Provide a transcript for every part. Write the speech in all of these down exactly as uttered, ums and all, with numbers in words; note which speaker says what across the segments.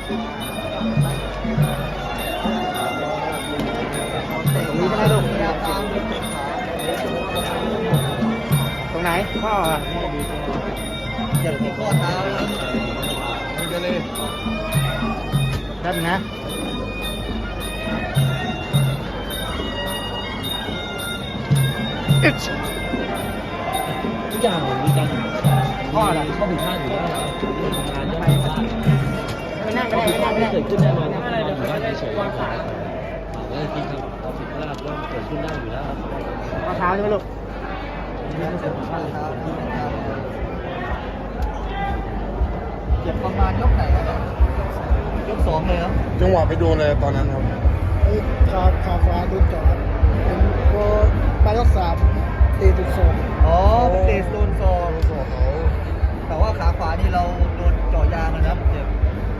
Speaker 1: ตรงนี้ใช่ไหมลูกตรงไหนข้อเจ็บที่ข้อเท้ามันจะเลยแป๊บนะ
Speaker 2: ทุกอย่างมีการ
Speaker 1: ข้ออะไร
Speaker 2: ข้อผิดพลาดอยู่แล้วเรื่องงานเรื่องผิดพลาด
Speaker 1: ไม่นั่งก็ได้ไม่นั่งก็ได้
Speaker 2: เกิดขึ้นแน่นอนครับอะไรเดี๋ยวเขาได้เฉยวางขาเออจริงครับความผิดพลาดก็เกิดขึ้นได้อยู่แล้วครับ
Speaker 1: ข้อเท้าใช่ไหมลูก
Speaker 3: เจ็บประมาณยกไหนครับยกสองเลยครับ
Speaker 4: จังหวะไปโดนอะไรตอนนั้นครับ
Speaker 5: ขาขาขวาโดนจ่อเป็นพอไปรักษาเตะจุดสอง
Speaker 3: อ๋อเป็นเตะโดนซองแต่ว่าขาขวานี่เราโดนเจ่อยางนะครับเจ็บ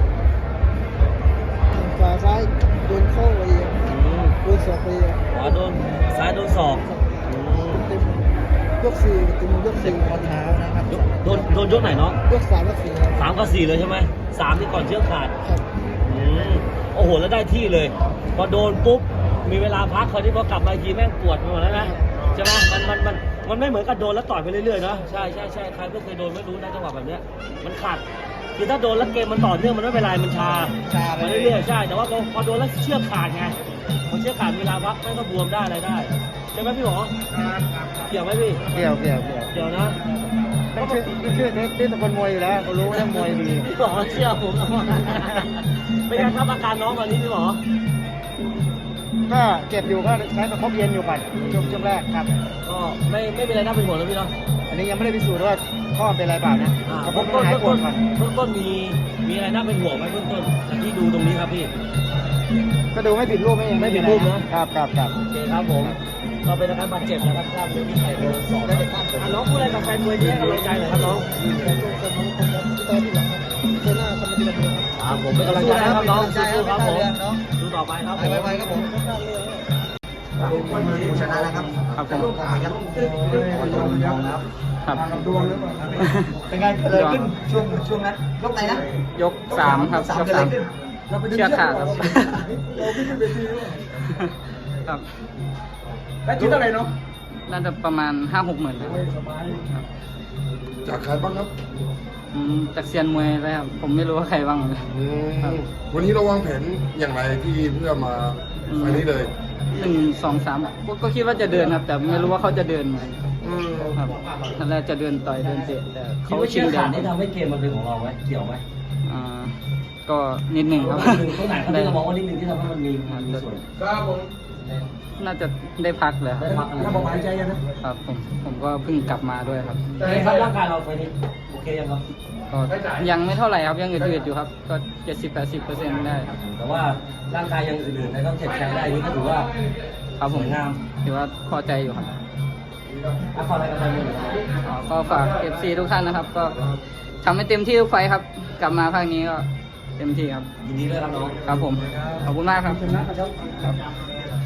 Speaker 5: ขาซ้ายโดนเข้าไปเอง
Speaker 2: อืม
Speaker 5: โดนศอกไปเอง
Speaker 2: ขวาโดนซ้ายโดนศอกอืม
Speaker 5: เต็มยกสี่เต็มยก
Speaker 3: เจ็บ
Speaker 5: สี่
Speaker 3: ข้อเท้านะครับ
Speaker 2: ยกโดนโดนยกไหนเนาะ
Speaker 5: ยกสามยกสี่ครับ
Speaker 2: สามกับสี่เลยใช่ไหมสามนี่ก่อนเชือกขาด
Speaker 5: ครับ
Speaker 2: อืมโอ้โหแล้วได้ที่เลย พอโดนปุ๊บมีเวลาพักเขาที่พอกลับมาอีกทีแม่งปวดไปหมดแล้วนะใช่ไหมมันมันมันมันไม่เหมือนกับโดนแล้วต่อยไปเรื่อยๆเนาะใช่ใช่ใช่ใครก็เคยโดนไม่รู้นะจังหวะแบบเนี้ยมันขาดคือถ้าโดนแล้วเกมมันต่อเนื่องมันไม่เป็นไรมันชา
Speaker 3: ชาไป
Speaker 2: ไป
Speaker 3: เรื่
Speaker 2: เรื่
Speaker 3: อ
Speaker 2: อย ยๆใช่แต่ว่าพอพอโดนแล้วเชือกขาดไงพอเชือกขาดเวลาพักแม่งก็บวมได้อะไรได้ใช่ไหมพี่หมอเกี่ยวไหมพี่
Speaker 1: เกี่ยวเกี่ยวเกี่ยว
Speaker 2: เกี่ยวนะ
Speaker 1: ต้องชื่อชื่อเทสที่ตะกนมวยอยู่แล้วเขารู้เรื่องมวยดี
Speaker 2: พี่หมอเชื่อผมนะเป็นไงครับอาการน้องตอนนี้พี่หมอ
Speaker 1: ก็เจ็บอยู่ก็ใช้ประคบเย็นอยู่ก่อนช่วงช่วงแรกครับ
Speaker 2: ก็ไม่ไม่เป็นไรน่าเป็นห่วงแล้วพี่เนาะ
Speaker 1: อันนี้ยังไม่ได้พิสูจน์ว่าข้อเป็นอะไรเปล่านะ
Speaker 2: อ่า
Speaker 1: ประค
Speaker 2: เบื้อบ งต้น
Speaker 1: ให้หาย
Speaker 2: เบื้อง
Speaker 1: ปว
Speaker 2: ต้
Speaker 1: ด
Speaker 2: น
Speaker 1: ก่อน
Speaker 2: เบื้องต้นมีมีอะไรน่าเป็นห่วงไหมเบื้องต้นจากที่ดูตรงนี้ครับพี่
Speaker 1: ก็ดูไม่ผิดรูปไม่
Speaker 2: ไม่ผิดรูปนะ
Speaker 1: ครับครับครับ
Speaker 2: โอเคครับผมก็เป็นอาการบาดเจ็บนะครับกล้ามเนื้อที่ไขโดนสองแล้วอ่ะน้องพูดอะไรกับแฟนมวยที่ให้กำลังใจหน่อยครับน้อง
Speaker 5: แต่ตัวแต่ของผมครับที่ตอนที่หลังครับเซน่าทำมาดีแบบนี้ครับ
Speaker 2: อ่าผมเป็นกำลังใจให้ครับน้อง
Speaker 3: ใจ
Speaker 2: สู้ๆครับผม
Speaker 3: เนาะ
Speaker 2: ดูต่อไปครับ
Speaker 3: ไปไปครับผม
Speaker 5: ก็พลาดเลย
Speaker 3: ชนะแล้วครับ
Speaker 1: ครับผม
Speaker 3: ครับครับ
Speaker 1: ครับ
Speaker 3: เป็นไงเกิดขึ้นช่วงช่วงนั้นยกไหนนะ
Speaker 1: ยกสามครับ
Speaker 3: สาม
Speaker 1: ยก
Speaker 3: เกิด
Speaker 1: สา
Speaker 3: อะ
Speaker 1: ม
Speaker 3: ไรขึ้นเราไปดึง
Speaker 1: เชือกขาดครับ
Speaker 5: เราไม่ได้ไปทีด้วย
Speaker 1: ครับ
Speaker 3: แล้วคิดอะไรเนาะ
Speaker 1: น่าจะประมาณห้าหกหมื่นครับ
Speaker 4: จากใครบ้างครับ
Speaker 1: อืมจากเซียนมวยเลยครับผมไม่รู้ว่าใครบ้างเลย
Speaker 4: อืม
Speaker 1: ครับ
Speaker 4: วันนี้เราวางแผนอย่างไรที่เพื่อมาไฟล์นี้เลย
Speaker 1: หนึ่งสองสามก็ก็คิดว่าจะเดินครับ แต่ไม่รู้ว่าเขาจะเดินไหม
Speaker 4: อืม
Speaker 1: ครับตอนแรกจะเดินต่อยเดินเตะแต่
Speaker 2: คิด
Speaker 1: เขา
Speaker 2: ว่า
Speaker 1: ชิ
Speaker 2: เชื
Speaker 1: ง
Speaker 2: อก
Speaker 1: เดิ
Speaker 2: ขาน ดนี่ทำให้เกมมันเป็นของเราไหมเกี่ยวไหม
Speaker 1: อ่าก็นิดหนึ่งครับ
Speaker 2: หนึ่งตรงไหนครับที่เรามองว่านิดนึงที่ทำให้มันมีมีส่วน
Speaker 4: ครับผม
Speaker 1: น่าจะได้พักเลยครับ
Speaker 2: ได้พักอะไร
Speaker 3: ถ้าบอกหายใจนะครับ
Speaker 1: ผมผมก็เพิ่งกลับมาด้วยครับ
Speaker 2: เป็นไงครับร่างกายเราไฟนี้โอเคยังครับ
Speaker 1: ก็ยังไม่เท่าไหร่ครับยังอืดๆอยู่ครับ ก็เจ็ดสิบแปดสิบเปอร์เซ็นต์ได้
Speaker 2: แต่ว่าร่างกายยังอื่นๆในต้องเจ็บแข็งได้นี่ก็ถือว่า
Speaker 1: ครับผม
Speaker 2: สวยงาม
Speaker 1: ถือว่าพอใจอยู่ครับ
Speaker 2: อาขออะไรกับแฟนมวยหน่อยครับ
Speaker 1: อ๋อก็ฝากเอฟซีทุกท่านนะครับ ก็ทำให้เต็มที่ทุกไฟท์ครับ กลับมาภาคนี้ก็เต็มที่ครับ
Speaker 2: ยินดีด้วยครับน้อง
Speaker 1: ครับผม ขอบคุณมากครับ
Speaker 5: ชนะครับ
Speaker 1: ครับ